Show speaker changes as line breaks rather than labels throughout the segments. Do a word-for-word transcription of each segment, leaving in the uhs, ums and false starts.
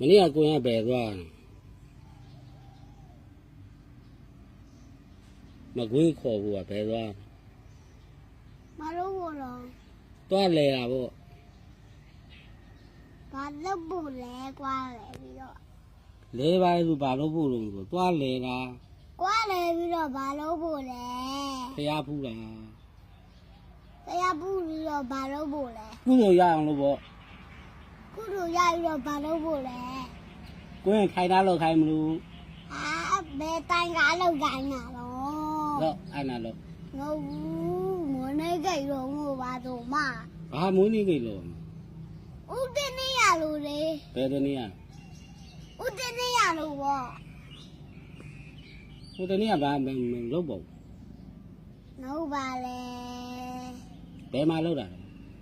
နေ့ကကိုရဘယ်သွားမကွေးခေါ်ဘူးကဘယ်သွား
မလို့ဘောလား
သွားလဲတာပေါ့
ဘာလို့ဘူးလဲကွာလဲပြီးတော့
လဲပါလို့ဘာလို့ဖို့လို့ဆိုသွားလဲတာ
ကွာလဲပြီးတော့ဘာလို့ဘူးလဲ
ဖျားဖူးတာ
တရားဘူးပြီးတော့ဘာလို့ဘူးလဲ
ကုသိုလ်ရအောင်လို့ပေါ့
ကုသိုလ်ရပြီးတော့ဘာလို့ဘူးလဲ
ကိုရင်ခိုင်တာလို့ခိုင်မလို့
ဟာဘယ်တိုင်ကားလောက်ကိုင်းတာတော့
တော့အဲ့နာလို့
ငိုဘူးမနေကြတော့ငိုပါတော့မ
ဘာမွေးနေကြလို့
ဥတင်းနေရလို့လေ
ဘယ်တနေ့อ่ะ
ဥတင်းနေရလို့ပေါ့
ဟိုတနေ့ကဘာမလုပ်ပေါ့
လုပ်ပါလေ
ဘယ်မှာလုပ်တာ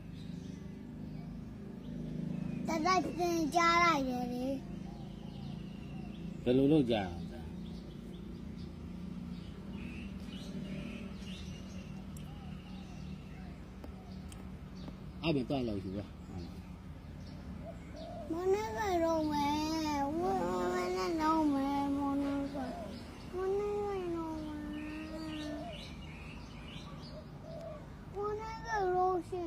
တသက်တင်ကြားလိုက်တယ်လေ
ဘယ်လိုလုပ်ကြအဲ့မတော့လို့ယူပါ
မနေကြတော့မယ်ဝဝနဲ့တော့မယ်မနေကြမနေကြတော့မယ်မနေကြလို့ရှင်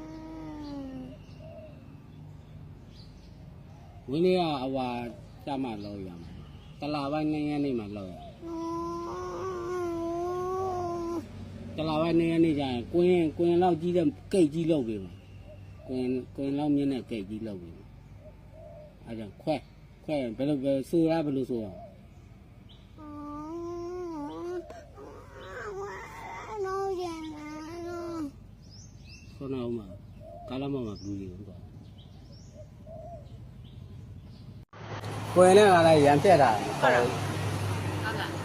ဝင်းလေးကအဝါစမှလောက်ရမှာတလာပိုင်းနှစ်ရက်နေမှလောက်ရတလာပိုင်းနှစ်ရက်နေကျရင်ကွင်းကွင်းလောက်ကြီးတဲ့ကိတ်ကြီးလောက်ပြီမှာကွင်းကွင်းလောက်မြင့်တဲ့ကိတ်ကြီးလောက်ပြီအဲ့ဒါခွဲခွဲဘယ်လိုပဲဆိုရဘယ်လိုဆိုရ
နော်ရနာ
ဆိုနာဦးမှာကာလမမှာဘူးလေးတော့ကိုယ်နဲ့ကလည်းရံပြက်တာဟုတ်လားဟုတ်လား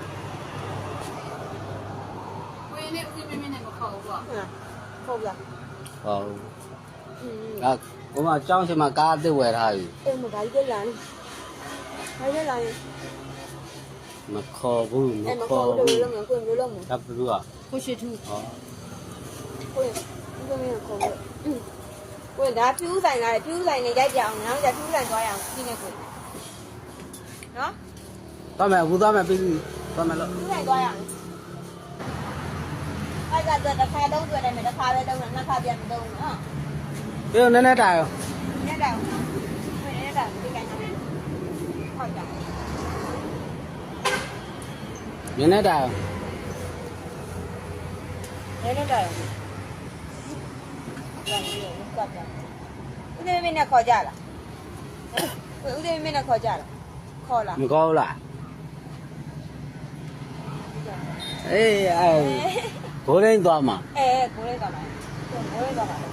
ကိုယ်နဲ့ဦးမင်းမင်းနဲ့မခေါ်ဘူးပေါ့
ဟုတ်လား
ဟုတ်အာဘုမကျောင်းချင်မှာကားအစ်စ်ဝယ်ထားပြီ
အေးမဘာကြီးလာဘာကြီးလာ
မခေါ်ဘူးမခေါ်ဘူး
လို့ကိုယ်မျိုးလို့
တပ်ဘူးอ่ะ
ကိုရှိထူး
ဟော
ကိုယ်ဦးမင်းခေါ်လို့ကိုယ်ဒါပြူးဆိုင်လာတယ်ပြူးဆိုင်နဲ့ရိုက်ကြအောင်နောက်ကျပြူးဆိုင်သွားရအောင်ဒီနေ့ကိုနော်
သွားမယ်အခုသွားမယ်ပြီးပြီသွားမယ်လို့
ပြူးဆိုင်သွားရအောင်အဲ့ကတော့တစ်ခါတော့တွေ့တယ်တစ်ခါပဲတော့နှစ်ခါပြန်မတော့ဘူးနော်
ပြေနည်းနည်းတာရော
နည်းတာနည်းတာဒီကနေ့ဟုတ်တာ
နည်းနည်းတာရော
နည်းနည်းတာရောလာပြီးတော့ကပ်တာဦးသေးမင်းနဲ့ခေါ်ကြလားဦးသေးမင်းနဲ့ခေါ်ကြလားခေါ်လား
မခေါ်လားအေးအဲဘိုးရင်းသွားမှာ
အေးဘိုးရင်းသွားမှာဘိုးရင်းသွားမှာ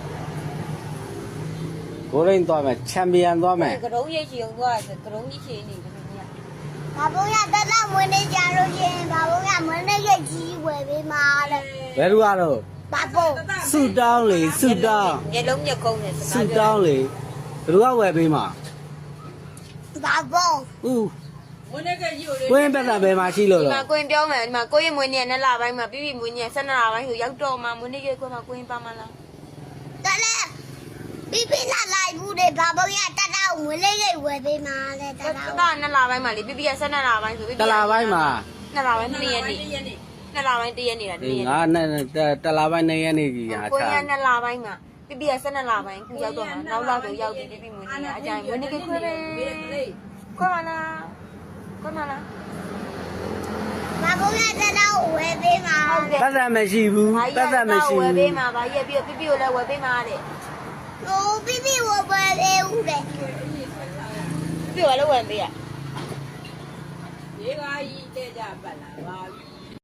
ဘိုးရင်းသွားမယ်ချန်ပီယံသွားမယ်
ကရုံးရိတ်ချီအောင်သွားကရုံးကြီးချီနေတယ်မင်းကဘာဘုံရတတ်မွေးနေကြလို့ရှင်ဘာဘုံရမွေးနေရိတ်ကြီးဝယ်ပေးမှာတဲ့
ဘယ်လိုကတော့
ဘာဘုံ
စုတောင်းလေစုတောင်း
ညလုံးညကုန်းနဲ့
စုတောင်းလေဘယ်လိုကဝယ်ပေးမှာ
ဘာဘုံ
ဦးမွေးနေကကြီးကိုကိုရင်ပတ်တာဘယ်မှာရှိလို့လဲ
ဒီမှာကိုရင်ပြောမယ်ဒီမှာကိုရင်မွေးနေနဲ့လပိုင်းမှာပြီးပြီးမွေးနေဆက်နှစ်လပိုင်းဆိုရောက်တော့မှမွေးနေကကိုမှကိုရင်ပါမလားတလဲပြီးပြီးလာလိုက်ဘူးလေဘာဘုံရတတ်တော့မွေးလေးရိတ်ဝယ်ပေးမှာလေတတ်တော့နှစ်လပိုင်းမှာလေပြီးပြီးဆက်နှစ်လပိုင်းဆိုပြီး
တလပိုင်းမှာ
နှစ်လပိုင်းနှစ်ရက်နေနှစ်လပိုင်းတရက်နေတာတရက်
ငါနဲ့တလပိုင်းနှစ်ရက်နေကြီးဟာ
ကိုရင်နှစ်လပိုင်းမှာပြီးပြီးဆက်နှစ်လပိုင်းခုရောက်တော့မှနောက်လောက်ဆိုရောက်ပြီးပြီးပြီးမွေးနေအကြိုင်မွေးနေကခွဲပဲခွဲမလားခွဲမလားဘာဘုံရတတ်တော့ဝယ်ပေးမှာ
ပတ်သက်မရှိဘူးပတ်သက်မရှိ
ဘူးဝယ်ပေးမှာဗာရက်ပြီးပြီးပြီးကိုလည်းဝယ်ပေးမှာတဲ့ဟိုပြီးပြီးဝယ်ပေးဦးတဲ့ပြီးတော့လည်းဝယ်ပေးရ
ရေကားကြီးတဲ့ကြပတ်လာပါပြီ